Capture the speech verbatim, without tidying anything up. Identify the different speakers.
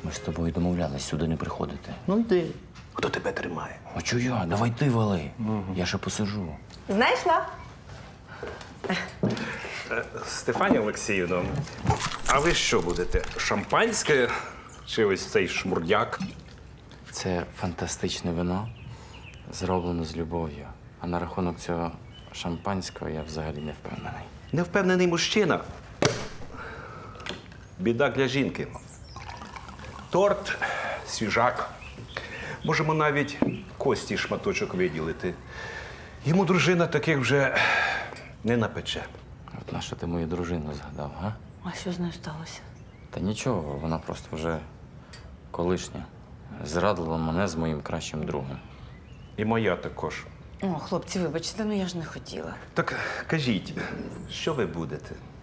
Speaker 1: Ми ж з тобою домовлялись сюди не приходити.
Speaker 2: Ну йди. Хто тебе тримає?
Speaker 1: А чого я? Давай ти вали. Я ще посижу.
Speaker 3: Знайшла?
Speaker 4: Стефанія Олексіївна, а ви що будете? Шампанське чи ось цей шмурдяк?
Speaker 1: Це фантастичне вино, зроблено з любов'ю. А на рахунок цього шампанського я взагалі не впевнений.
Speaker 2: Невпевнений мужчина.
Speaker 4: Біда для жінки. Торт, свіжак. Можемо навіть кості шматочок виділити. Йому дружина таких вже не напече.
Speaker 1: От на що ти мою дружину згадав, га?
Speaker 3: А що з нею сталося?
Speaker 1: Та нічого, вона просто вже колишня. Зрадила мене з моїм кращим другом.
Speaker 4: І моя також.
Speaker 3: О, хлопці, вибачте, ну я ж не хотіла.
Speaker 4: Так кажіть, що ви будете?